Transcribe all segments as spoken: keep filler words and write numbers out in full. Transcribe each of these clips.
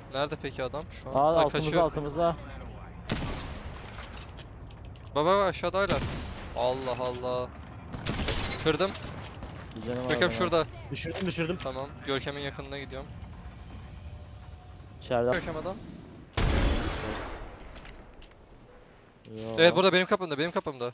Nerede peki adam şu an? Aa, Ha, altımızda kaçıyor. altımızda. Baba baba aşağıdaylar. Allah Allah. Kırdım. Bir canım var Görkem benim. şurada. Düşürdüm düşürdüm. Tamam. Görkem'in yakınına gidiyorum. İçeride. Görkem adam. Yo. Evet burada benim kapımda, benim kapımda.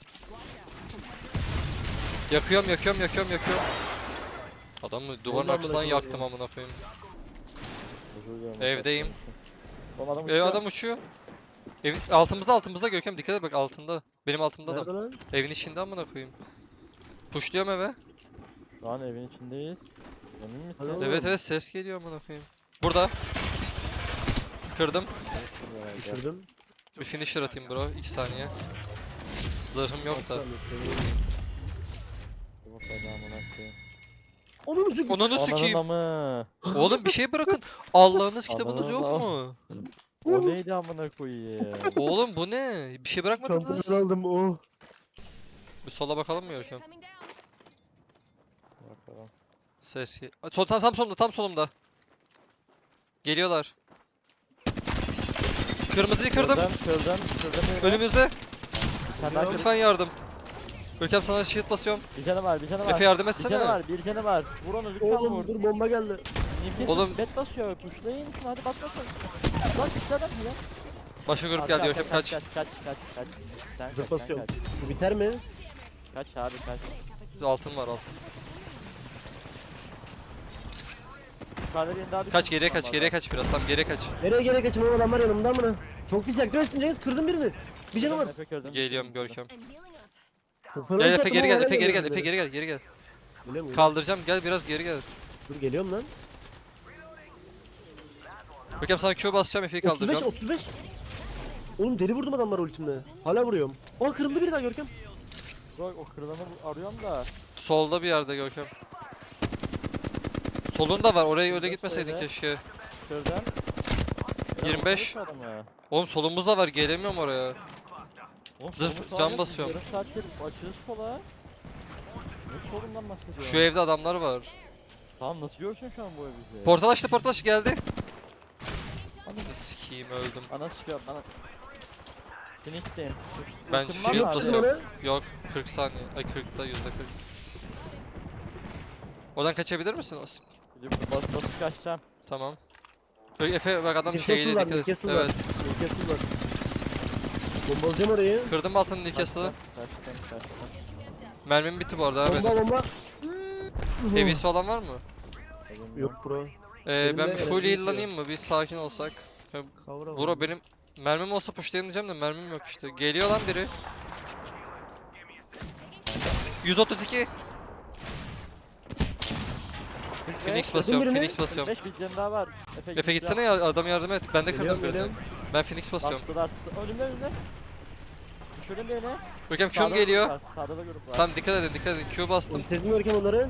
Yakıyorum, yakıyorum, yakıyorum, yakıyorum. Adamı duvarın Ondan arkasından bırakıyor yaktım ya. amına koyayım. Özür dilerim. Evdeyim. Oğlum adam Ev uçuyor. adam uçuyor. Evin altımızda altımızda Görkem dikkat et bak altında. Benim altımda Nerede adam. lan? Evin içinde amına koyayım. Pushluyorum eve. Şu an evin içindeyiz. Emin misin? Hadi oğlum. Evet evet ses geliyor amına koyayım. Burada. Kırdım. Düşürdüm. Bir finisher atayım bro iki saniye. Zırhım yok da. Onu mu sıkı? Onunu sikeyim. Ananı. Oğlum bir şey bırakın. Allah'ınız kitabınız yok Ananı mu? O neydi amına koyayım? Oğlum bu ne? Bir şey bırakmadınız. Şampiyon aldım oh. Bir sola bakalım mı Görkem? Bakalım. Ses ge- Aa, Sol tam tam solumda tam solumda. Geliyorlar. Kırmızıyı kırdım. Kırdım kırdım kırdım. yine. Önümüzde. Sen daha kır. Lütfen yardım. Görkem sana shield basıyorum. Bir canı var bir canı var. Efe yardım Bir canı etsene. var bir canı var. Vur onu lütfen Oğlum vur. dur bomba geldi. Nefes Oğlum. Oğlum. Bet basıyor. Kuşlayın şunu hadi bas bas. bas. Lan işte adam ya. Başka grup Arka, geldi arka, Görkem kaç. Kaç kaç kaç kaç. Sen kaç, Zıp sen basıyorum. kaç. Bu biter mi? Kaç abi kaç. Altın var altın. Yukarıda birini daha Kaç geriye düşürdüm kaç ama geriye adam. kaç biraz tam geriye kaç. Nereye geri kaçayım oğlum adamlar yanımda mı? Çok pis yaklaşsın Cengiz kırdım birini. Bir canım var. Efe kırdım. Geliyorum Görkem. Kafana Gel bir Efe taktım geri ama gel Efe hala geri gel geliyorum Efe böyle. geri gel geri gel. Öyle mi? Kaldıracağım gel biraz geri gel. Dur geliyorum lan. Görkem sana Q basacağım Efe'yi otuz beş kaldıracağım. otuz beş. Oğlum deli vurdum adamlara ultimle. Hala vuruyorum. Aa kırıldı biri daha Görkem. Bak o kırılanı bu- arıyorum da. Solda bir yerde Görkem. Solunda var oraya öyle Şurada gitmeseydin şöyle. keşke. Kırdım. yirmi beş. Oğlum solumuzda var gelemiyorum oraya. Zırh- can basıyorum. Yarım saattir açıyoruz sola. Ne solundan bahsediyorsun? Şu evde adamlar var. Tamam nasıl görsün şu an bu ev bizi? Portal açtı portal açtı geldi. Ananı sikeyim öldüm. Ana sıkıyor bana. Phoenix'teyim. Ben Ultim var mı shield abi? basıyorum. Yok kırk saniye. Ay kırkta yüzde kırk. Oradan kaçabilir misin? As- Gidip bas basıp kaçacağım. Tamam. Böyle Efe bak adam Newcastle şeyle var, dikkat et. Newcastle var. Evet. Newcastle var. Bombalayacağım orayı. Kırdım altını Newcastle'ı. Kaçtım kaçtım. Mermim bitti bu arada abi. Bomba bomba. Heavy'si olan var mı? Elim Yok bro. Ee, ben Elimde bir full elektrik heal'lanayım mı? Bir sakin olsak. Kavra Bro benim mermim olsa pushlayayım diyeceğim de mermim yok işte. Geliyor lan biri. yüz otuz iki. Phoenix basıyorum, birini. Phoenix basıyorum. beş bir canı daha var. Efe, Efe gitsene ya adam yardım et. Ben de kırdım Geliyorum, birini. geliyorum. Ben Phoenix basıyorum. Bastılar. Önümde önümde. Düşürdüm birini. Görkem Sağda Q'm da geliyor. grup var, Sağda da grup var. Tamam dikkat edin dikkat edin. Q bastım. Sezdim Görkem onları.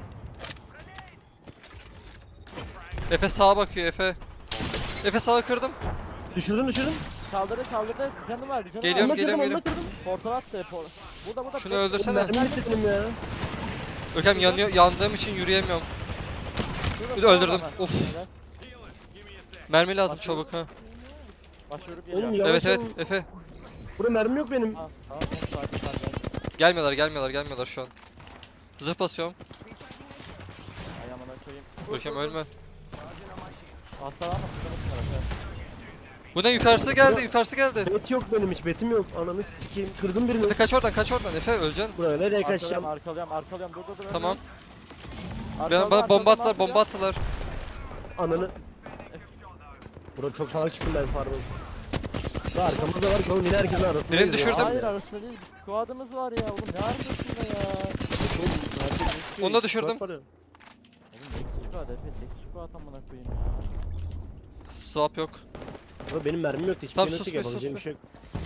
Efe sağa bakıyor Efe. Efe sağa kırdım. Düşürdüm düşürdüm. Kaldırdı kaldırdı. Canı var. Canı Geliyorum, var. Onunla kırdım geliyorum, onunla kırdım. Portal attı. Por burada burada. Şunu Bek- öldürsene. Mermi bitti benim ya. Görkem yanıyor, yandığım için yürüyemiyorum. Şurada Bir de öldürdüm. var. Of. Helal. Mermi lazım Başlıyorum. çabuk ha. Başvurup geliyor. Oğlum yavaş Evet evet ol. Efe. Burada mermi yok benim. Tamam tamam tamam sakin sakin. Gelmiyorlar gelmiyorlar gelmiyorlar şu an. Zırh basıyorum. Ayağımına koyayım. Görkem ölme. Hastalanma sıkıntı var. Efe. Bu ne yukarısı geldi yukarısı geldi. Bet yok benim hiç betim yok. Ananı sikeyim. Kırdım birini. Efe kaç oradan kaç oradan Efe öleceksin. Buraya nereye Arkalıyorum kaçacağım? arkalıyorum arkalıyorum. Dur dur dur. Tamam. Arkalıyorum, Ben, bana bomba arkalıyorum, attılar bomba arkalıyorum. attılar. Ananı. Bro çok salak çıktım ben pardon. Daha arkamızda var ki oğlum yine herkesin arasında. Birini düşürdüm. Hayır arasında değil. Squad'ımız var ya oğlum ne arkasında ya. Onu da düşürdüm. Oğlum tek squad Efe tek squad amına koyayım ya. Swap yok. Bro benim mermim yoktu hiçbir Tamam, şey sus yok be, yapabileceğim bir sus şey yok.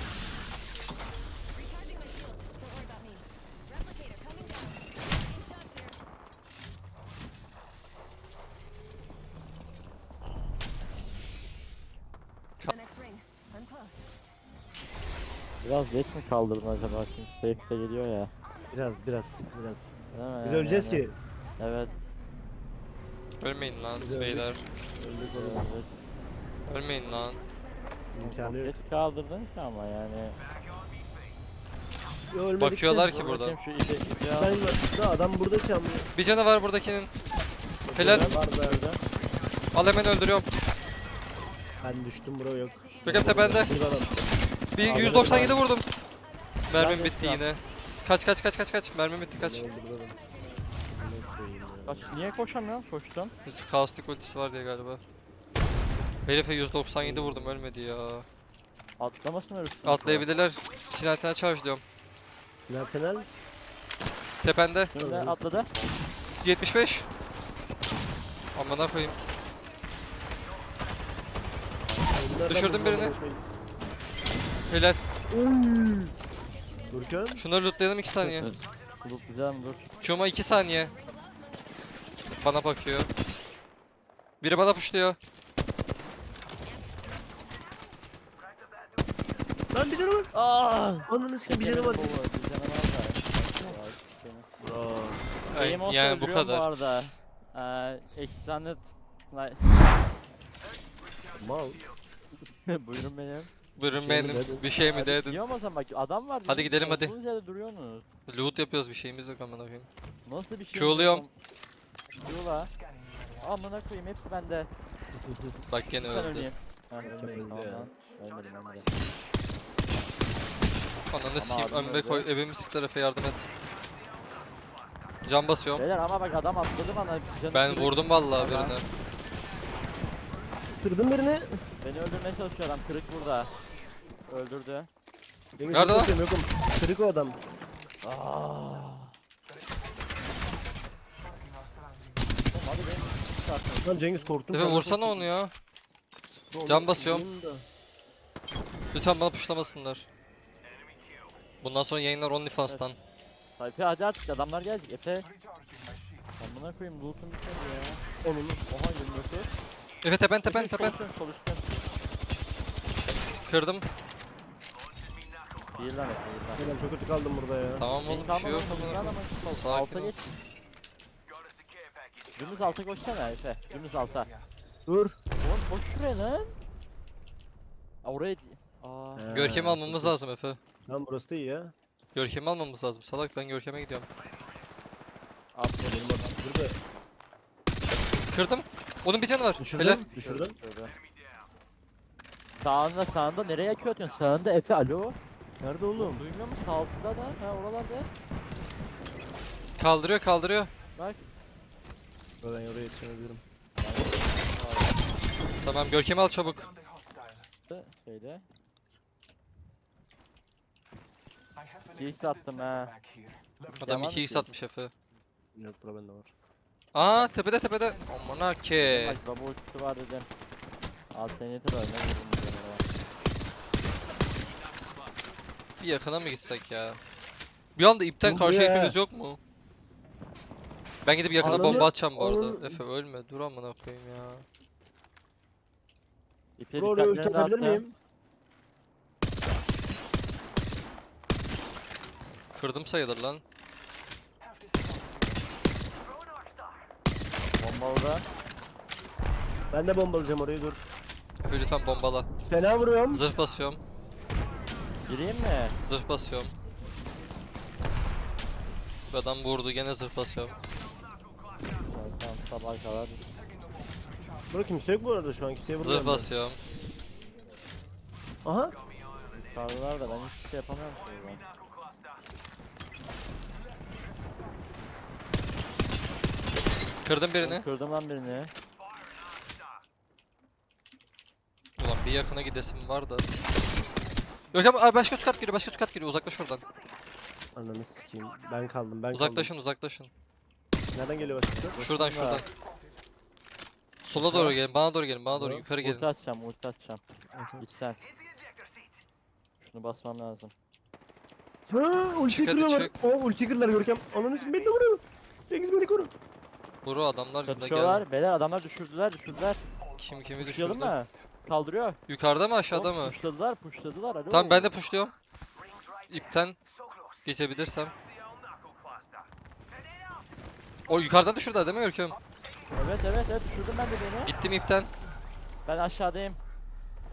Biraz geç mi kaldırdın acaba şimdi safe de geliyor ya. Biraz biraz biraz. Değil mi? Biz Yani, öleceğiz yani. ki. Evet. Ölmeyin lan Güzel. beyler. Öldük oğlum. evet. Ölmeyin lan. İmkanı yok. Geç kaldırdın ki ama yani. Yo, ölmedik Bakıyorlar de. ki burada. Bakayım şu ipi, ipi al. Ben da adam burada ki amına. Bir canı var buradakinin. Helal. Var da orada. Al hemen öldürüyorum. Ben düştüm bro yok. Görkem tepende. Burada adam. Bir Abi, yüz doksan yedi vurdum. Mermim Ben de bitti şu an- yine. Kaç kaç kaç kaç kaç. Mermim bitti kaç. Burada adam. Amına koyayım ya. Kaç, niye koşamıyorum? Koştum. Biz kaostik ultisi var diye galiba. Herife yüz doksan yedi vurdum ölmedi ya. Atlamasın öyle üstüne. Atlayabilirler. Sinatine charge diyorum. Sinan Tenel. Tepende. Şimdi atladı. yetmiş beş. Amına koyayım. Bunlardan Düşürdüm vurmam birini. lazım. Helal. Oy. Görkem. Şunları lootlayalım iki saniye. Dur güzel mi dur. Çuma iki saniye. Bana bakıyor. Biri bana pushluyor. Lan bir tane var. Aaa! Ananı sikeyim bir tane var. Bir canı var da. Bro. Ay, Benim olsa yani bu öldürüyorum kadar. Bu arada. Eee Extended Like Mal. Buyurun benim. Buyurun Bir şey mi benim. dedin? Bir şey mi Hadi dedin? diyorum o zaman bak adam var. Hadi bizim gidelim, hadi. olduğunuz yerde duruyorsunuz. Loot yapıyoruz bir şeyimiz yok amına koyayım. Nasıl bir şey? Q'luyum. Q'la. Amına koyayım hepsi bende. Bak gene Ben öldü. öleyim. Ha Görkem ölmedim öldü tamam ya. lan. Ölmedim ölmedim. Ananı sikeyim abim önüme öldü. koy. Evimi sik tarafa yardım et. Can basıyorum. Beyler ama bak adam atladı bana. Canı Ben kırık. vurdum vallahi Tamam. birine. Kırdın birini. Beni öldürmeye çalışıyor adam kırık burada. Öldürdü. Yemin Nerede lan? ediyorum, Yokum. Kırık o adam. Aaaa. Oğlum hadi beni çıkartın. Lan Cengiz korktum. Efe sana. vursana onu ya. Oğlum, Can basıyorum. vurayım da. Lütfen bana pushlamasınlar. Bundan sonra yayınlar OnlyFans'tan. Efe hadi artık adamlar gelecek Efe. Amına koyayım loot'um bitmedi ya. Onun. Oha yirmi dokuz. Efe tepen tepen Efe, tepen. sol üstten, sol üstten. Kırdım. Bir lan Efe bir lan. Ben çok kötü kaldım burada ya. Tamam Beni oğlum bir şey yok kalmadan amına adamın koyayım. sol- Sakin Alta ol. geç. Dümdüz alta koşsana Efe. Dümdüz alta. Dur. Oğlum koş şuraya lan. Aa, oraya... Aa. Görkem'i almamız lazım Efe. Lan burası da iyi ya. Görkem'i almamız lazım. Salak ben Görkem'e gidiyorum. Aferin. Benim adam burada. Kırdım. Onun bir canı var. Düşürdüm. Helal. Düşürdüm. Şöyle. Sağında sağında nereye yakıyor atıyorsun? Sağında Efe alo. Nerede oğlum? Duymuyor musun? Sağ altında da. Ha oralarda. Kaldırıyor kaldırıyor. Bak. Ben oraya yetişemedim. Tamam Görkem'i al çabuk. Şeyde. iki x attım ha. Adam Devam iki x ediyor. atmış Efe. Yok bura bende var. Aa tepede tepede. Amına ke. Bak baba ultisi var dedim. Alternatif var. Ne vurdum bir kenara. Bir yakına mı gitsek ya? Bir anda ipten Dur karşı ya. ipimiz yok mu? Ben gidip yakına Ananı- bomba atacağım bu arada. ananı- Efe ölme dur amına koyayım ya. İpe Bro oraya ulti dikkatlerini atabilir dağıttım. miyim? Kırdım sayılır lan. Bomba orada. Ben de bombalayacağım orayı dur. Efe lütfen bombala. Fena vuruyorum. Zırh basıyorum. Gireyim mi? Zırh basıyorum. Bu adam vurdu gene zırh basıyorum. Tamam sabah kadar. Bro kimse yok bu arada şu an kimseye vurmuyorum. Zırh ben. basıyorum. Aha. Yukarıdalar da ben hiçbir şey yapamıyorum şuradan. Kırdım birini. Kırdım lan birini. Ulan bir yakına gidesim var da. Yok ama başka üst kat geliyor, başka üst kat geliyor. Uzaklaş şuradan. Ananı sikeyim. Ben kaldım ben Uzaklaşın, uzaklaşın. kaldım. Nereden geliyor başka? Şuradan, Bakın da. şuradan. Sola doğru gelin, bana doğru gelin, bana doğru Tamam. yukarı Ulti gelin. atacağım ulti atacağım. Git sen. Şunu basmam lazım. Ha ulti Çık hadi, kırıyorlar. çık. O ulti kırdılar Görkem. Ananı sikeyim beni de vuruyor. Cengiz beni koru. Buru adamlar yine geldi. Çatışıyorlar. Beyler adamlar düşürdüler düşürdüler. Kim kimi Pushlayalım düşürdü? mı? Kaldırıyor. Yukarıda mı aşağıda Oğlum, mı? Pushladılar pushladılar. Alo. Tamam ben de pushluyorum. İpten geçebilirsem. O yukarıdan düşürdüler değil mi Görkem? Evet evet evet düşürdüm ben de beni. Gittim ipten. Ben aşağıdayım.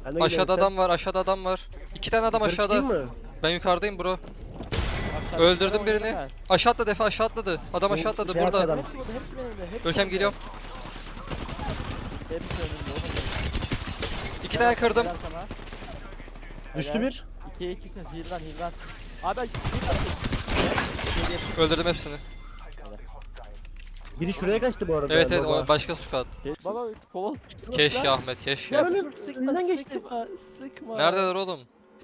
Ben de Aşağıda geliyorum, adam var, aşağıda adam var. İki tane adam sen. Yukarı aşağıda. çıkayım mı? Ben yukarıdayım bro. Aşağı- Öldürdüm aşağı birini. oynayacağım Aşağı atladı Efe, aşağı atladı. Adam Bu aşağı atladı şey burada. adam. ben. Hepsi burada, hepsi benim de. Hepsi Görkem benim de. geliyorum. Hepsi önümde oğlum. İki tane kırdım. Helal sana. Düştü Helal. bir. İkiye ikisiniz, heal'lan heal'lan. Abi ben Öldürdüm hepsini. Biri şuraya kaçtı bu arada. Evet evet, baba. o başka squad. Baba koval. Keşke Ahmet, keşke. Ya önüm- Sıkma, önünden geçti. Sıkma, sıkma. Neredeler oğlum?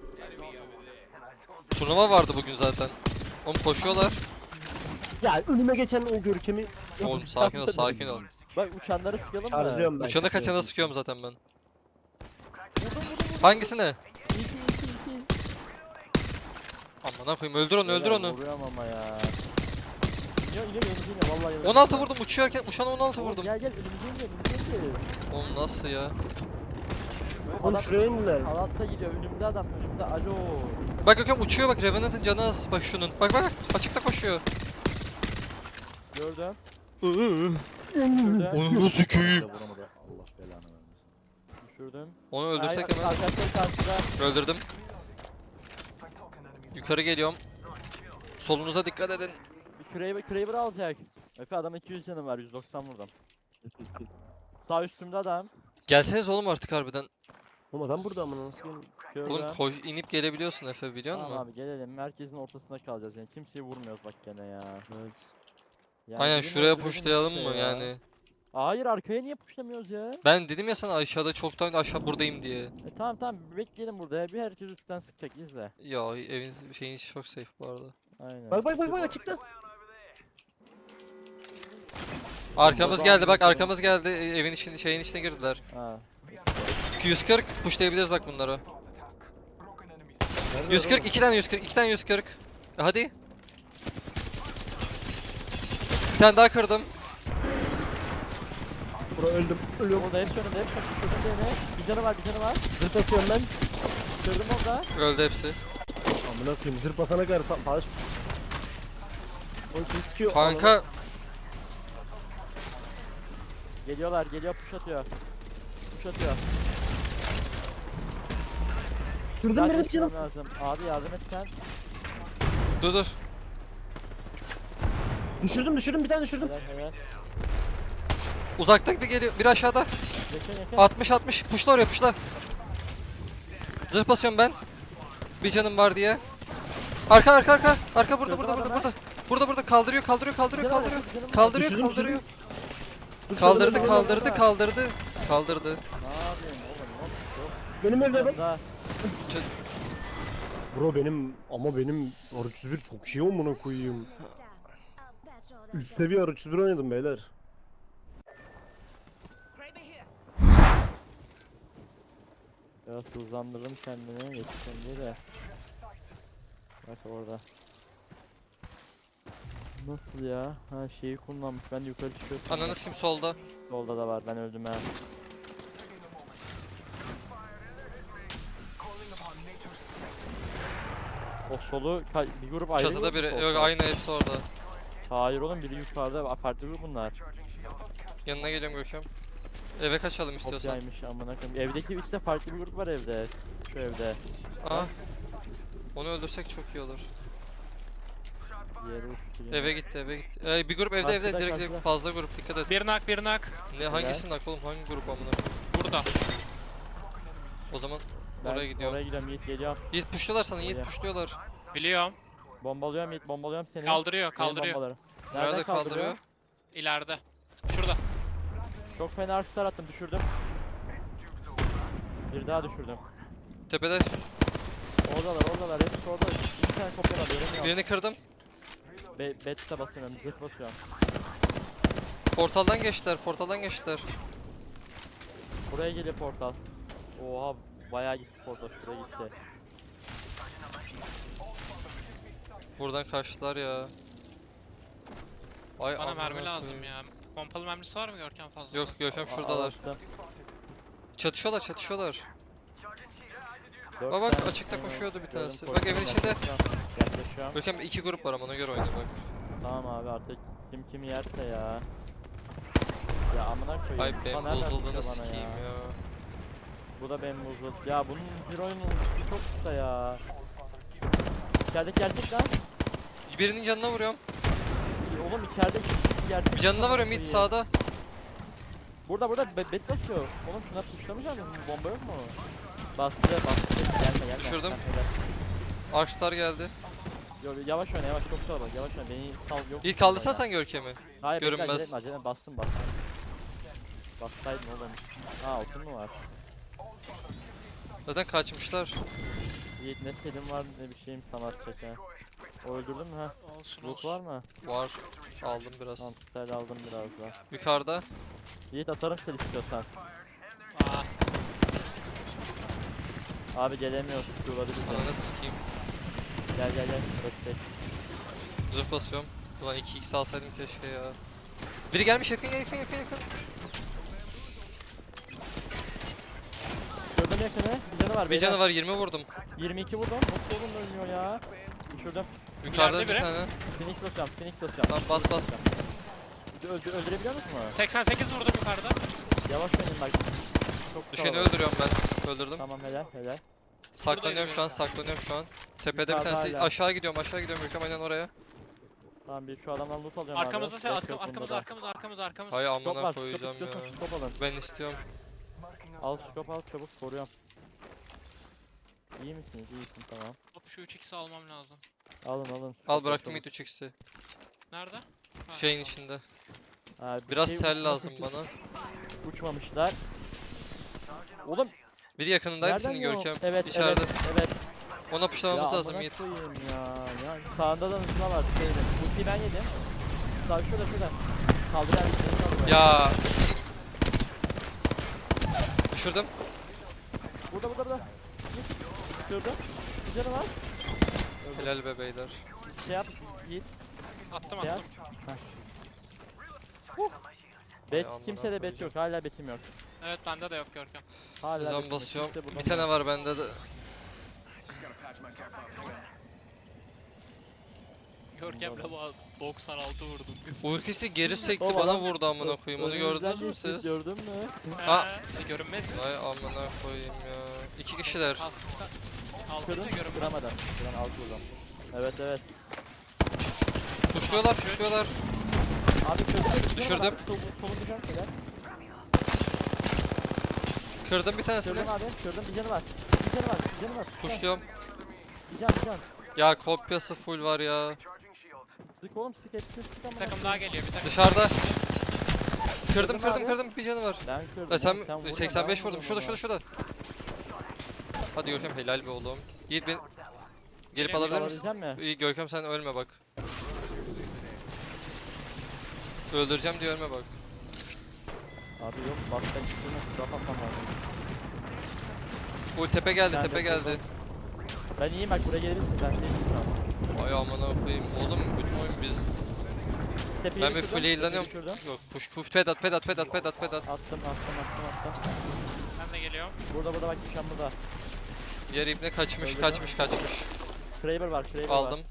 Turnuva vardı bugün zaten. Oğlum koşuyorlar. Ya önüme geçen o Görkem'i Oğlum sakin ol, sakin ol. Bak uçanları sıkalım mı? şarjlıyorum ben. Uçanı kaçana sıkıyorum. sıkıyorum zaten ben. Vurdum, vurdum, vurdum. Hangisine? İki, iki, iki. Aman koyayım, öldür onu, öldür Helal, onu. Vuruyorum ama ya. İniyor, iniyor, önümüze iniyor, vallahi önümüze on altı iniyor. vurdum, uçuyorken uçana on altı Oğlum vurdum. Gel gel, önümüze iniyor, önümüze iniyor. Oğlum nasıl ya? Oğlum Adam şuraya indiler. Kanatta gidiyor, önümde adam, önümde, alo. Bak Görkem uçuyor bak, Revenant'ın canı az bak şunun. Bak bak, açıkta koşuyor. Gördüm. Iıı. Düşürdüm. Onu nasıl köyüm? Vuramadı. Allah belanı vermesin. Düşürdüm. Onu öldürsek Ay, hemen. Arkadaşlar karşıda. Öldürdüm. Yukarı geliyorum. Solunuza dikkat edin. Bir Kraber, Kraber alacak. Efe adam iki yüz canım var, yüz doksan vurdum. Sağ üstümde adam. Gelseniz oğlum artık harbiden. Oğlum adam burada ama nasıl gelin? Gördüm. Oğlum koş, inip gelebiliyorsun Efe, biliyor Tamam musun? abi gelelim, merkezin ortasında kalacağız yani, kimseyi vurmuyoruz bak gene ya. Evet. Yani Aynen, birini şuraya öldürelim pushlayalım işte mı ya. yani? Hayır, arkaya niye pushlamıyoruz ya? Ben dedim ya sana aşağıda çoktan aşağı buradayım diye. E tamam tamam, bekleyelim burada ya, bir herkes üstten sıkacak, izle. Ya evin şeyin içi çok safe bu arada. Aynen. Bak bak bak bak açıkta. Arkamız Bomba geldi bak, aldım. arkamız geldi. E, Evin için şeyin içine girdiler. Ha. yüz kırk pushlayabiliriz bak bunları. Nerede yüz kırk, adam? iki tane yüz kırk, iki tane yüz kırk. E, hadi. Bir tane daha kırdım. Bura öldüm. Ölüyorum. Orada hepsi önümde, hepsi önümde, düşürdüm birini. Bir canı var, bir canı var. Zırt basıyorum ben. Düşürdüm orada. Öldü hepsi. Amına koyayım zırt basana kadar fa faş. Oğlum kim sıkıyor? Kanka Geliyorlar, geliyor, push atıyor. Push atıyor. Kırdım Zaten benim canım. çıkmam lazım. Abi yardım et sen. dur dur. Düşürdüm düşürdüm bir tane düşürdüm. Helal helal. Uzaktan bir geliyor. Bir aşağıda. Yakın yakın. altmış altmış. Pushla oraya, pushla. Zırh basıyorum ben. Bir canım var diye. Arka arka arka. Arka burada burada burada burada. Burada burada kaldırıyor kaldırıyor kaldırıyor Canı var, kaldırıyor. yakın, canım var. Kaldırıyor Düşürdüm, kaldırıyor. Düşürdüm, Kaldırdı öldüm, kaldırdı öldüm. kaldırdı. Kaldırdı. Ne yapıyorsun oğlum? Hop, Benim evde hop. bak. Daha. Bro benim ama benim R üç yüz bir çok iyi amına koyayım. Üst seviye R üç yüz bir oynadım beyler. Biraz hızlandırdım kendimi, yetiştim diye de. Bak orada. Nasıl ya? Ha şeyi kullanmış, ben de yukarı çıkıyorum. Ananı sim solda. Solda da var, ben öldüm ha. O solu ka- bir grup ayrı Çatıda grup mu biri. solda? Yok aynı hepsi orada. Hayır oğlum, biri yukarıda, farklı grup bunlar. Yanına geliyorum Görkem. Eve kaçalım istiyorsan. Kopyaymış amına koyayım. Evdeki işte farklı bir grup var evde. Şu evde. Aa. Onu öldürsek çok iyi olur. Diğeri uçtu yine. Eve gitti eve gitti. Ee, bir grup evde evde Karşıda, direkt karşıda. fazla grup, dikkat et. Bir nak bir nak. Ne hangisinin nak oğlum, hangi grup amına? Burada. O zaman Ben oraya gidiyorum. Oraya gidiyorum, Yiğit geliyorum. Yiğit pushluyorlar sana, Yiğit Oraya. pushluyorlar. Biliyorum. Bombalıyorum Yiğit, bombalıyorum seni. Kaldırıyor Benim kaldırıyor. bombaları. Nerede kaldırıyor? İleride. Şurada. Çok fena arksar attım, düşürdüm. Bir daha düşürdüm. Tepede Oradalar, oradalar, hepsi orada. İki tane kopya var, göremiyorum. birini kırdım. Be Bet'e basıyorum, zırh basıyorum. Portaldan geçtiler, portaldan geçtiler. Buraya geliyor portal. Oha, bayağı gitti portal, şuraya gitti. Buradan kaçtılar ya. Ay Bana amına mermi lazım koyayım. ya. Pompalı mermisi var mı Görkem fazla? Yok Görkem şuradalar. Attım. Çatışıyorlar çatışıyorlar. Dört Bak bak, tane açıkta şey var. koşuyordu bir Gördüm, tanesi. Bak koşuyor, evin içinde. yaklaşıyorum. Yaklaşıyorum. Görkem iki grup var ama ona göre oyna bak. Tamam abi, artık kim kimi yerse ya. Ya amına koyayım. Ay Ulan benim nereden bozulduğunu sıkıyor bana sikeyim ya. Bu da benim buzlu. Ya bunun Hero'nun ultisi çok kısa ya. İçerideki gerçek lan. Birinin canına vuruyorum. Oğlum içerideki gerçek. Bir canına vuruyorum mid sağda. Burada burada be bet basıyor. Oğlum şuna tuşlamayacak mısın? Bomba yok mu? Bastı bastı. Gelme gelme. Düşürdüm. Sen helal. Arkstar geldi. Yo, yavaş oyna yavaş çok zor bak yavaş oyna beni sal yok. İlk kaldırsan sen Görkem'i. Hayır bekle, görünmez. acele etme acele etme bastım bastım. Bassaydın oğlum. Ha altın mı var? Zaten kaçmışlar. Yiğit ne selim var ne bir şeyim sana atacak ha. O öldürdün mü ha? Olsun Loot olsun. var mı? Var. Aldım biraz. Tamam tutar aldım biraz daha. Yukarıda. Yiğit atarım seni istiyorsan. Aa, Abi gelemiyoruz tutuyorlar bizi. Ananı sikeyim. Gel gel gel. Destek. Zırh basıyorum. Ulan iki x alsaydım keşke ya. Biri gelmiş yakın yakın yakın yakın. Gördüm yakını. Bir canı var Bir beyler. canı var yirmi vurdum. yirmi iki vurdum. Nasıl oğlum ölmüyor ya? Düşürdüm. Yukarıda İleride bir biri. tane. Phoenix basacağım. Phoenix basacağım. Tamam, bas, Phoenix bas. basacağım. Öldü, öldürebiliyor musun? seksen sekiz vurdum yukarıda. Yavaş oynayın bak. Çok Düşeni kalabalık. öldürüyorum ben. Öldürdüm. Tamam helal helal. Saklanıyorum şu an, saklanıyorum şu an. Tepede bir Yukarıda tanesi. hala. Aşağı gidiyorum, aşağı gidiyorum. Görkem aynen oraya. Tamam bir şu adamdan loot alacağım Arkamızda abi. sen Yok, arkam, yok, arkamız bunda da. arkamız arkamız arkamız. Hay Scope amına var, koyacağım scope ya. istiyorsan scope alın. Ben istiyorum. Al scope al çabuk koruyorum. İyi misiniz? İyisin tamam. Hop şu üç x'i almam lazım. Alın alın. Al scope bıraktım çabuk. mid üç x'i. Nerede? Ha, Şeyin tamam. içinde. Ha, bir Biraz şey sel uçmuş, lazım uçmuş. bana. Uçmamışlar. Oğlum Biri yakınındaydı nereden senin yok? Görkem. Evet İçeride. evet evet. Ona puşlamamız Ya lazım amına Yiğit. koyayım ya. Ya sağında da hızlı var. Şeyde. Ultiyi ben yedim. Sağ şurada şurada. Kaldır abi. Kaldır abi. Ya. Düşürdüm. Burada burada burada. Git. Düşürdüm. Bir canı var. Öldü. Helal be beyler. Şey yap. Yiğit. Attım Ya. attım. Bet amına kimse de bet koyacağım. yok. Hala betim yok. Evet bende de yok Görkem. Hala betim Zan yok. basıyorum. Kimse buradan Bir tane var bende de. Görkem'le bu doksan altı vurdum. Ultisi geri sekti Oğlum bana adam- vurdu amına koyayım. Onu Önümüzden gördünüz mü geçti, siz? Gördün mü? Aa. Ee, görünmeziz. Vay amına koyayım ya. İki kişiler. Alt, altında Kırın. görünmez. Kıramadan. Kıran alt buradan. Evet evet. Puşluyorlar, puşluyorlar. Abi çözdüm. Düşürdüm. Solun bir canı kadar. Kırdım bir tanesini. Çözdüm abi. Çözdüm. Bir canı var. Bir canı var. Bir canı var. Puşluyorum. Bir can bir can. Ya kopyası full var ya. Sık oğlum sık hepsini sık ama. Bir takım daha geliyor bir takım. Dışarıda. Kırdım Kırdın kırdım abi. kırdım bir canı var. Ben kırdım. Ya sen oğlum, vurma, seksen beş ben vurdum. Şurada vurdum şurada ona. şurada. Hadi Görkem helal be oğlum. Yiğit beni gelip Gelin, alabilir misin? Alabilecek mi? İyi Görkem sen ölme bak. Öldüreceğim diye ölme bak. Abi yok bak ben üstüne sıra patlam lazım. Ul tepe geldi Ben de tepe geldi. kırdım. Ben iyiyim bak buraya gelirsin ben değilim şu an. Ay amına koyayım. Oğlum bütün oyun biz. Tepeyi Ben bir düşürdüm, full tepeyi heal'lanıyorum. düşürdüm. Yok push push pedat pedat pedat pedat pedat. Attım attım attım attım. Ben de geliyorum. Burada burada bak düşen burada. Diğer ibne kaçmış Öldürdüm. kaçmış kaçmış. Kraber var Kraber var. Aldım.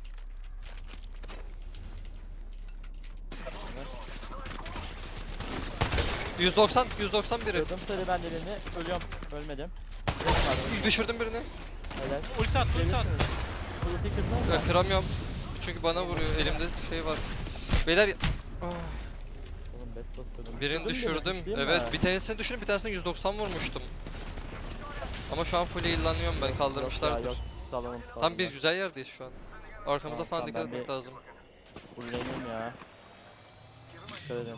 yüz doksan yüz doksan biri. Kırdım sarı ben birini. Ölüyorum. Ölmedim. Kraber var. Düşürdüm birini. Helal. Ulti attı ulti attı. Gelirsiniz. Ulti kırdın mı? Ya, kıramıyorum. Çünkü bana vuruyor. Elimde şey var. Beyler ah, Oğlum bet basıyordum. birini Düşürdün mü düşürdüm. beni, değil mi? Evet, bir tanesini düşürdüm, bir tanesini yüz doksan vurmuştum. Ama şu an full heal'lanıyorum ben. Yok, Kaldırmışlardır. yok, salonum, Tam salonum biz var. güzel yerdeyiz şu an. Arkamıza Tamam, falan tamam, dikkat ben etmek bir- lazım. Fullleyeyim ya. Dikkat edin.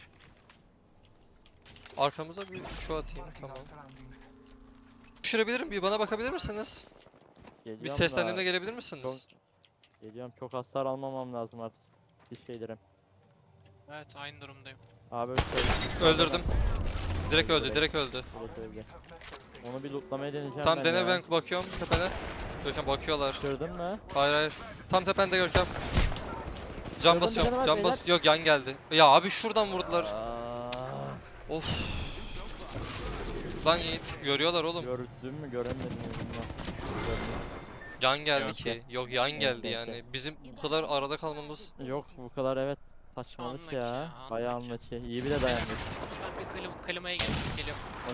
Arkamıza bir şu atayım tamam. Düşürebilirim bir bana bakabilir misiniz? Geliyorum Bir da- seslendiğimde gelebilir misiniz? Geliyorum çok hasar almamam lazım artık. Bir şeylerim. Evet aynı durumdayım. Abi öyle söyle. Öldürdüm. Direkt öldü, direkt öldü. Direkt öldü. Onu bir lootlamaya deneyeceğim Tam ben dene ya. ben bakıyorum tepene. Görkem bakıyorlar. Gördün mü? Hayır hayır. Tam tepende Görkem. Can Gördüm, basıyorum. bir tane var, Can bas. Yok yan geldi. Ya abi şuradan vurdular. Aa, Of. Lan Yiğit görüyorlar oğlum. gördün mü göremedim mi? Yan geldi Yok. ki. Yok yan Evet, geldi evet, yani. Bizim bu kadar arada kalmamız Yok bu kadar evet. Saçmalık Anlaki ya. ya, Bayağı anlaki. anlaki. İyi bile dayandık. Ben bir klim, klimaya gelip geliyorum.